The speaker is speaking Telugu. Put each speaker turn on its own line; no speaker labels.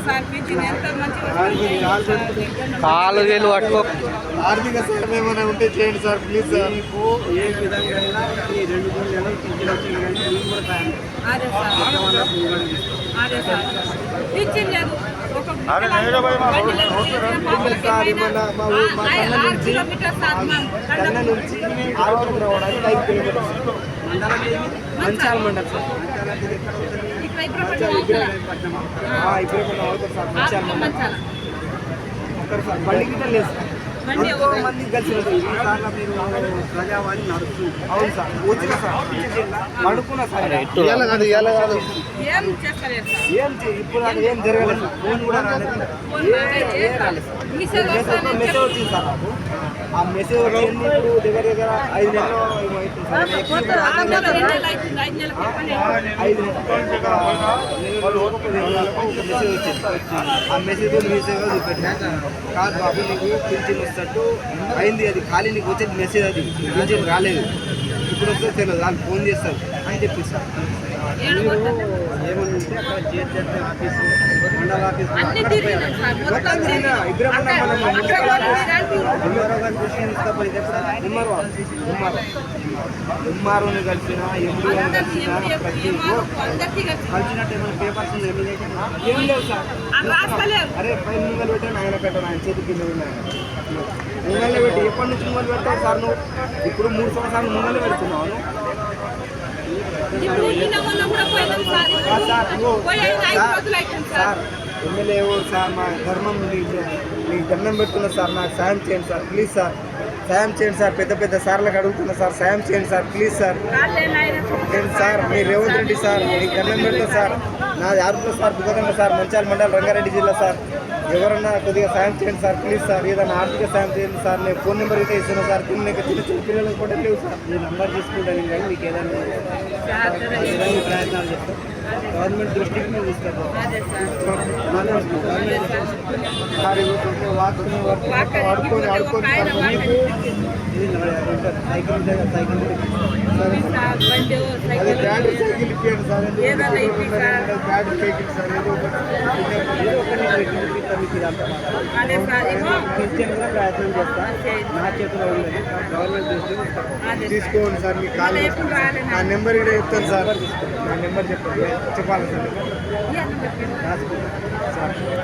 కాలు వేలు పట్టుకో.
ఆర్థిక సాయం ఏమైనా ఉంటే చేయండి సార్ ప్లీజ్ సార్.
మీకు ఏ విధంగా అయినా ఈ 2-3 నెలలు పింఛన్ వచ్చింది కానీ మీకు కూడా సాయం
సార్ ఏమన్నా మా కన్న నుంచి 6 రావడానికి 5 కిలోమీటర్స్
మంచాల మండలం సార్.
ఇప్పుడు అవుతారు సార్ మంచాల మండలం ఒక్కరు సార్ బండి గిట్ట లేదు సార్. ఎంతో మంది కలిసి
మీరు ప్రజావాణి నడుస్తుంది.
అవును సార్ వచ్చిన సార్ పడుకున్నా సార్. ఏం ఇప్పుడు ఏం జరగలేదు సార్. ఫోన్ కూడా రాలేదు. మెసేజ్ వచ్చింది సార్ నాకు. ఆ మెసేజ్ వచ్చింది ఇప్పుడు దగ్గర దగ్గర 5 నెలలు అవుతుంది సార్. 5 నెలలు ఒక మెసేజ్ వచ్చింది. ఆ మెసేజ్ రీసేగా చూపెట్టినా కాదు బాబు నీకు పింఛన్ వస్తట్టు అయింది, అది ఖాళీ నీకు వచ్చేది మెసేజ్, అది పింఛన్ రాలేదు, ఇప్పుడు వస్తే తెలియదు, వాళ్ళు ఫోన్ చేస్తారు అని చెప్పిస్తారు.
ఏమన్నా ఉంటే అక్కడ జిహెచ్ఎంసీ ఆఫీసు, మండల ఆఫీసు
ఎంఆర్ఓని కలిసిన ఎండిఓని కలిసిన ప్రతి
కలిసినట్టు ఏమైనా పేపర్స్
ఏం లేవు సార్. అరే పైన ముంగలు పెట్టాను ఆయన పెట్టాను, ఆయన చేతి కింద ఉన్నాయి ముంగల్లో పెట్టి ఎప్పటి నుంచి ముంగలు పెడతావు సార్ నువ్వు? ఇప్పుడు 3 సంవత్సరాలు ముంగల్లో పెడుతున్నావు సార్. ఎమ్మెల్యే ఎవరు సార్? మా ధర్మం మీకు దండం పెడుతున్నా సార్, నాకు సాయం చేయండి సార్ ప్లీజ్ సార్. సాయం చేయండి సార్, పెద్ద పెద్ద సార్లకు అడుగుతున్నా సార్, సాయం చేయండి సార్ ప్లీజ్ సార్. నేను సార్ మీ రేవంత్ రెడ్డి సార్, మీకు దండం పెడతా సార్. నాది ఆరుపుల సార్, బుగ్గదండ సార్, మంచాల మండలం, రంగారెడ్డి జిల్లా సార్. ఎవరన్నా కొద్దిగా సాయం చేయండి సార్ ప్లీజ్ సార్. ఏదైనా ఆర్థిక సాయం చేయండి సార్. నేను ఫోన్ నెంబర్ అయితే ఇస్తున్నాను సార్. చిన్న చిన్న పిల్లలకు కూడా లేవు సార్.
ఈ నంబర్ తీసుకుంటాను కానీ మీకు ఏదైనా ప్రయత్నాలు చేస్తాం. గవర్నమెంట్ దృష్టికి మేము తీసుకెళ్తాం.
వాడుకొని ఆడుకొని
మీకు సైకిల్
అదే బ్యాటరీ సైకిల్ ఇప్పించండి సార్. బ్యాటరీ సైకిల్ సార్ ఏదో
ప్రయత్నం చేస్తా. నా చేతిలో ఉండదు, గవర్నమెంట్ దృష్టికి
తీసుకోండి సార్. మీ కాల్ నా నెంబర్ కూడా చెప్తాను సార్. నా నెంబర్ చెప్పాలి సార్.